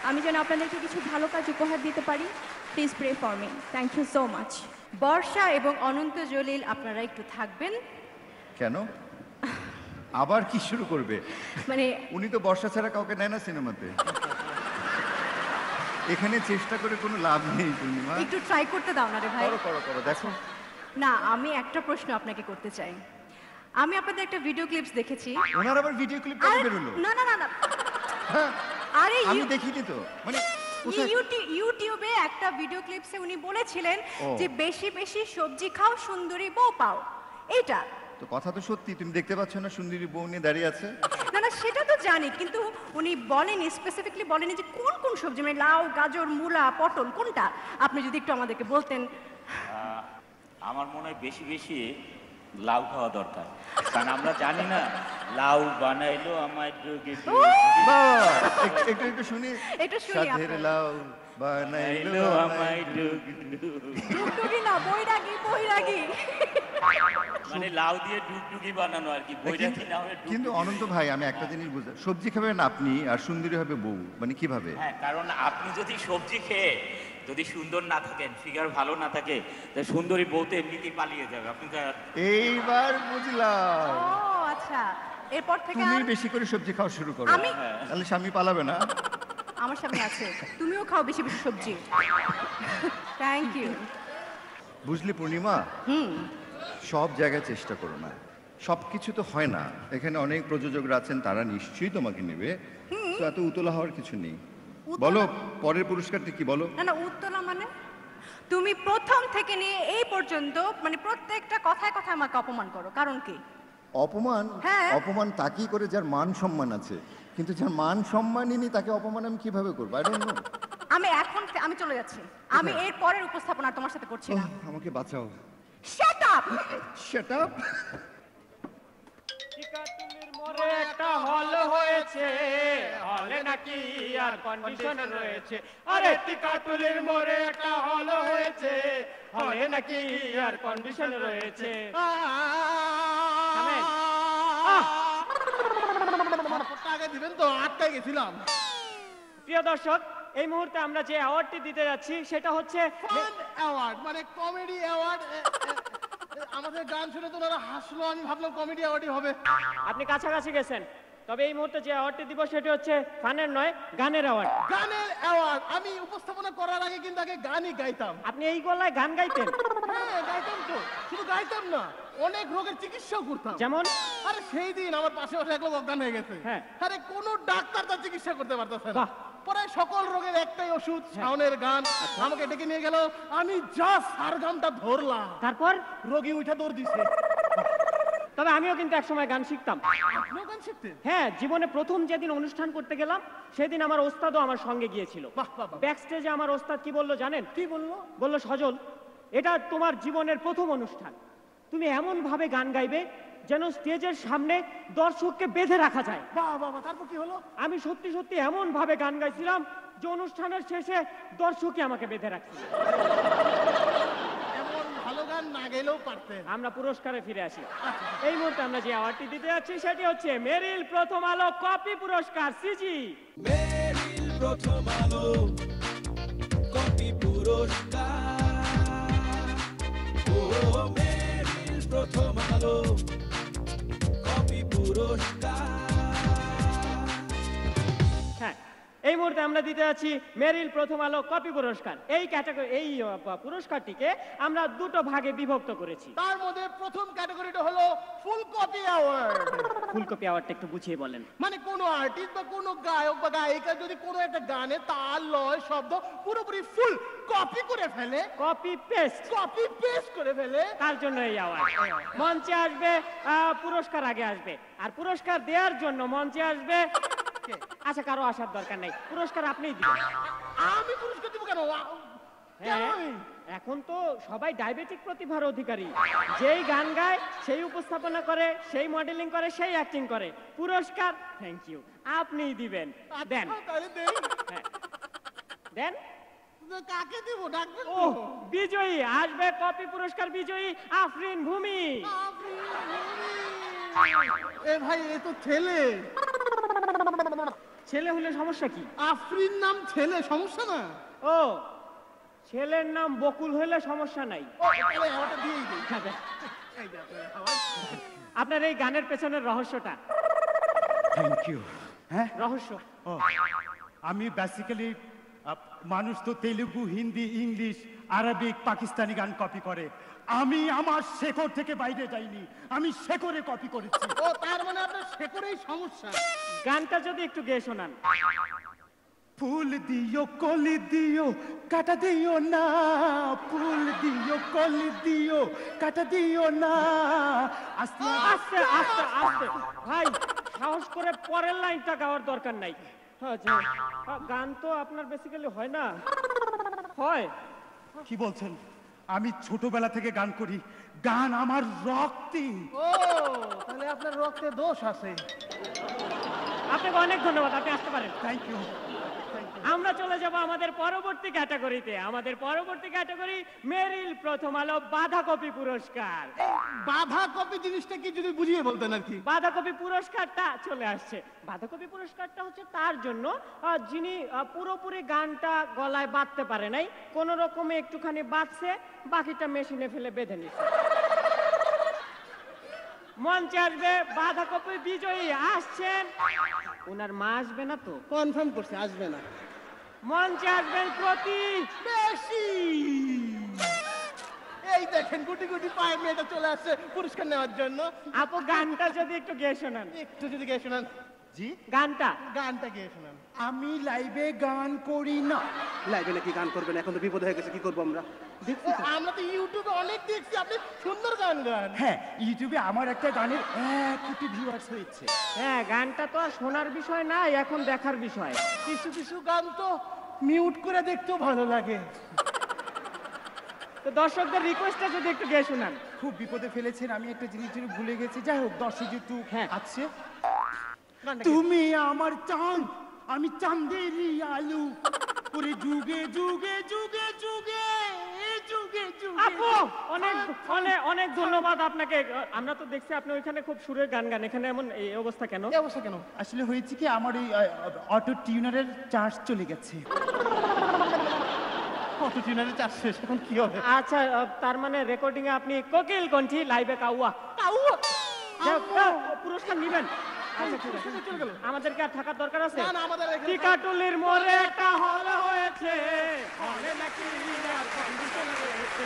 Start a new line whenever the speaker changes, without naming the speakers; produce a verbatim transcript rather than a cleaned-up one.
আমি যেন আপনাদেরকে কিছু ভালো কাজ উপহার দিতে পারি। Please pray for me. Thank you so much.
Barsha এবং অনন্ত জলিল আপনারা একটু থাকবেন।
কেন আবার কি শুরু করবে?
মানে
উনি তো বর্ষা ছাড়া কাউকে নেয় না সিনেমাতে। এখানে চেষ্টা করে কোনো লাভ নেই পূর্ণিমা।
একটু ট্রাই করতে দাও না রে ভাই।
করো করো করো দেখো।
না, আমি একটা প্রশ্ন আপনাকে করতে চাই। আমি আপনাদের একটা ভিডিও ক্লিপস দেখেছি।
ওনার আবার ভিডিও ক্লিপ কবে বের হলো?
না না না না
হ্যাঁ,
আরে
আমি দেখিনি তো। মানে
ইউটিউব ইউটিউবে একটা ভিডিও ক্লিপসে উনি বলেছিলেন যে বেশি বেশি সবজি খাও সুন্দরী বউ পাও। এটা
তো কথা তো সত্যি, তুমি দেখতে পাচ্ছ না সুন্দরী বউ নিয়ে দাঁড়িয়ে আছে?
না না সেটা তো জানি, কিন্তু উনি বলেনি, স্পেসিফিকলি বলেনি যে কোন কোন সবজি, মানে লাউ, গাজর, মূলা, পটল কোনটা। আপনি যদি একটু আমাদেরকে বলতেন।
আমার মনে হয় বেশি বেশি লাউ খাওয়া দরকার, কারণ আমরা জানি না লাউ বানাইলো আমার যোগে
একটু একটু একটু শুনি।
একটু শুনি
সাধের লাউ বানাইলো
আমায় ডুগ
ডুগডুগি না, বৈরাগী বৈরাগী।
মানে লাউ দিয়ে ডুগডুগি বানানো আর কি, বৈরাগী না হলে।
কিন্তু অনন্ত ভাই আমি একটা জিনিস বুঝতে, সবজি খাবেন আপনি আর সুন্দরী হবে বউ, মানে কিভাবে?
হ্যাঁ, কারণ আপনি যদি সবজি খেয়ে যদি সুন্দর না থাকেন, ফিগার ভালো না থাকে, তাহলে সুন্দরী বউতে এমনিতেই পালিয়ে যাবে। আপনি
এইবার বুঝলাম।
ও আচ্ছা, এরপর থেকে
তুমি
আর
বেশি করে সবজি খাওয়া শুরু করো,
আমি
তাহলে স্বামী পালাবে না।
আমার সামনে আছে, তুমিও খাও বেশি বেশি সবজি। Thank you.
বুঝলি পূর্ণিমা,
হুম,
সব জায়গায় চেষ্টা করো না, সব কিছু তো হয় না। এখানে অনেক প্রযোজকরা আছেন, তারা নিশ্চয়ই তোমাকে নেবে। তো এত উতলা হওয়ার কিছু নেই। বলো পরের পুরস্কারটা কি বলো?
না না উত্তরা মানে তুমি প্রথম থেকে নিয়ে এই পর্যন্ত মানে প্রত্যেকটা কথায় কথায় আমাকে অপমান করো, কারণ কি?
অপমান?
হ্যাঁ।
অপমান তাকেই করে যার মান সম্মান আছে, কিন্তু যার মান সম্মানই নেই তাকে অপমান আমি কিভাবে করবো? I don't know.
আমি এখন আমি চলে যাচ্ছি, আমি এর পরের উপস্থাপনা তোমার সাথে করছি না।
আমাকে বাঁচাও।
Shut up
shut up.
টিকাতুলির মোড়ে একটা হল হয়েছে, হলে নাকি আর কন্ডিশন রয়েছে। আরে টিকাতুলির মোড়ে একটা হল হয়েছে, হলে নাকি আর কন্ডিশন রয়েছে।
আগে দিবেন তো, আটকাই গেছিলাম।
প্রিয় দর্শক, এই মুহূর্তে আমরা যে অ্যাওয়ার্ডটি দিতে যাচ্ছি সেটা হচ্ছে
ফান অ্যাওয়ার্ড, মানে কমেডি অ্যাওয়ার্ড। আমাদের গান শুনে তো ওরা হাসলো, আমি ভাবলাম কমেডি অ্যাওয়ার্ডই হবে।
আপনি কাছাকাছি গেছেন, তবে এই মুহূর্তে যে অ্যাওয়ার্ডটি দিব সেটি হচ্ছে ফানের নয়, গানের অ্যাওয়ার্ড।
গানের অ্যাওয়ার্ড। আমি উপস্থাপনা করার আগে কিন্তু আগে গানই গাইতাম।
আপনি এই গলায় গান গাইতেন?
হ্যাঁ গাইতাম তো, শুধু গাইতাম না, অনেক রোগের চিকিৎসাও করতাম।
যেমন?
আরে সেই দিন আমার পাশে বসে এক লোক অজ্ঞান হয়ে গেছে।
হ্যাঁ।
আরে কোনো ডাক্তার তার চিকিৎসা করতে পারতেছে না।
বাহ।
পরে সকল রোগের একটাই ওষুধ, শাওনের গান। আমাকে ডেকে নিয়ে গেল, আমি যা সারগামটা ধরলাম,
তারপর
রোগী উঠে দৌড় দিছে।
তবে আমিও কিন্তু একসময় গান শিখতাম।
আপনিও গান শিখতেন?
হ্যাঁ, জীবনে প্রথম যেদিন অনুষ্ঠান করতে গেলাম সেদিন আমার ওস্তাদও আমার সঙ্গে গিয়েছিল।
বাহ বাহ বাহ।
ব্যাক স্টেজে আমার ওস্তাদ কি বললো জানেন?
কি বললো?
বললো, সজল, এটা তোমার জীবনের প্রথম অনুষ্ঠান, তুমি এমন ভাবে গান গাইবে যেন স্টেজের সামনে দর্শককে বেঁধে রাখা যায়।
বাহ বাহ বাহ। তারপর কি হলো?
আমি সত্যি সত্যি এমন ভাবে গান গাইছিলাম যে অনুষ্ঠানের শেষে দর্শকই আমাকে বেঁধে রাখছিল।
এমন ভালো গান না গেলেও পারতেন।
আমরা পুরস্কারে ফিরে আসি। এই মুহূর্তে আমরা যে অ্যাওয়ার্ডটি দিতে যাচ্ছি সেটি হচ্ছে মেরিল প্রথম আলো কপি পুরস্কার, সিজি।
মেরিল প্রথম আলো কপি পুরস্কার, ও মেরিল প্রথম আলো কপি পুরস্কার।
হ্যাঁ, এই মুহূর্তে আমরা দিতে যাচ্ছি মেরিল প্রথম আলো কপি পুরস্কার। এই ক্যাটাগরি এই পুরস্কারটিকে আমরা দুটো ভাগে বিভক্ত করেছি।
তার মধ্যে প্রথম ক্যাটাগরিটা হলো ফুল কপি অ্যাওয়ার্ড।
ফুলকপি অ্যাওয়ার্ডটা একটু বুঝিয়ে বলেন।
মানে কোনো আর্টিস্ট বা কোনো গায়ক বা গায়িকা যদি কোনো একটা গানে তাল লয় শব্দ পুরোপুরি ফুল কপি করে ফেলে,
কপি পেস্ট
কপি পেস্ট করে ফেলে,
তার জন্য এই অ্যাওয়ার্ড। মঞ্চে আসবে আহ, পুরস্কার আগে আসবে, আর পুরস্কার দেওয়ার জন্য মঞ্চে আসবে। আচ্ছা, কারো আসার দরকার নেই, পুরস্কার আপনিই দিবেন।
আমি পুরস্কার দিব কেন?
হ্যাঁ, এখন তো সবাই ডায়াবেটিক প্রতিভার অধিকারী, যেই গান গায় সেই উপস্থাপনা করে, সেই মডেলিং করে, সেই অ্যাক্টিং করে। পুরস্কার থ্যাংক ইউ আপনিই দিবেন। দেন। হ্যাঁ, দেন।
কাকে দিব? ডাকবেন?
ও বিজয়ী আসবে, কপি পুরস্কার বিজয়ী আফরিন ভূমি।
এ ভাই, এ তো ছেলে।
ছেলে হলে সমস্যা কি?
আফরিন নাম ছেলে, সমস্যা না?
ও, ছেলের নাম বকুল হলে সমস্যা নাই।
ও, তাহলে হাওয়াটা দিয়েই দিই। এই যে আপনার হাওয়া।
আপনার এই গানের পেছনের রহস্যটা?
Thank you. হ্যাঁ,
রহস্য
ও, আমি বেসিক্যালি মানুষ তো তেলুগু, হিন্দি, ইংলিশ, আরবিক, পাকিস্তানি গান কপি করে। আমি আমার শেকড় থেকে বাইরে যাইনি, আমি শেকড়ে কপি করেছি।
ও, তার মানে আপনার শেকড়েই সমস্যা।
গানটা যদি একটু গেয়ে শোনান।
ফুল দিও কলি দিও কাটা দিও না, ফুল দিও কলি দিও কাটা দিও না। আস্তে
আস্তে আস্তে আস্তে ভাই, সাহস করে পরের লাইনটা গাওয়ার দরকার নাই। হ্যাঁ, যে, আহ, গান তো আপনার বেসিক্যালি হয় না? হয়।
কি বলছেন? আমি ছোটবেলা থেকে গান করি, গান আমার রক্তে।
ও, তাহলে আপনার রক্তে দোষ আছে।
আপনাকে অনেক ধন্যবাদ, আপনি আসতে পারেন।
Thank you.
আমরা চলে যাব আমাদের পরবর্তী ক্যাটাগরিতে। আমাদের পরবর্তী ক্যাটাগরি মেরিল প্রথম আলো বাঁধাকপি পুরস্কার।
বাঁধাকপি জিনিসটা কি যদি বুঝিয়ে বলতেন আর কি।
বাঁধাকপি পুরস্কারটা চলে আসছে। বাঁধাকপি পুরস্কারটা হচ্ছে তার জন্য আহ, যিনি আহ, পুরোপুরি গানটা গলায় বাঁধতে পারে নাই, কোন রকমে একটুখানি বাঁধছে, বাকিটা মেশিনে ফেলে বেঁধে নিচ্ছে। মঞ্চে আসবে বাঁধাকপি বিজয়ী, আসছেন। ওনার মা আসবে না তো?
কনফার্ম করছে আসবে না।
মঞ্চে আসবেন প্রতীক।
বেশি এই দেখেন গুটি গুটি পায়ে মেয়েটা চলে আসছে পুরস্কার নেওয়ার জন্য।
আপু, গানটা যদি একটু গেয়ে শোনান।
একটু যদি গেয়ে শোনান।
জি,
গানটা
গানটা গেয়ে শোনান।
আমি লাইভে গান করি না।
লাইভে নাকি গান করবেন? এখন তো বিপদ হয়ে গেছে, কি করবো আমরা?
ও, আমরা তো ইউটিউবে অনেক দেখছি আপনি সুন্দর গান গান।
হ্যাঁ, ইউটিউবে আমার একটা গানের এক কোটি ভিউয়ার্স হয়েছে।
হ্যাঁ, গানটা তো আর শোনার বিষয় না, এখন দেখার বিষয়।
কিছু কিছু গান তো মিউট করে দেখতেও ভালো লাগে।
তো দর্শকদের রিকোয়েস্টটা যদি একটু গেয়ে শোনান।
খুব বিপদে ফেলেছেন, আমি একটা জিনিস যেন ভুলে গেছি। যাই হোক, দর্শক যেহেতু
হ্যাঁ।
আছে।
গানটা
তুমি আমার চাঁদ, আমি চাঁদেরই আলু, ওরে যুগে যুগে যুগে যুগে যুগে যুগে।
আপু, অনেক অনেক অনেক ধন্যবাদ আপনাকে। আমরা তো দেখছি আপনি ওইখানে খুব সুরের গান গান, এখানে এমন এই অবস্থা কেন?
এই অবস্থা কেন?
আসলে হয়েছে কি, আমার এই অটো টিউনারের চার্জ চলে গেছে।
কত টিনারে চাষ শেষ, এখন কি হবে?
আচ্ছা, আহ, তার মানে রেকর্ডিং এ আপনি কোকিল কণ্ঠী লাইভে কাউয়া
কাউয়া?
যাক, আহ, পুরস্কার নিবেন। আচ্ছা, ঠিক আছে,
চলে গেল।
আমাদেরকে আর থাকার দরকার আছে?
না, না, আমাদের এখানে-
টিকাটুলির মোড়ে একটা হল হয়েছে, হলে নাকি আর কন্ডিশন রয়েছে।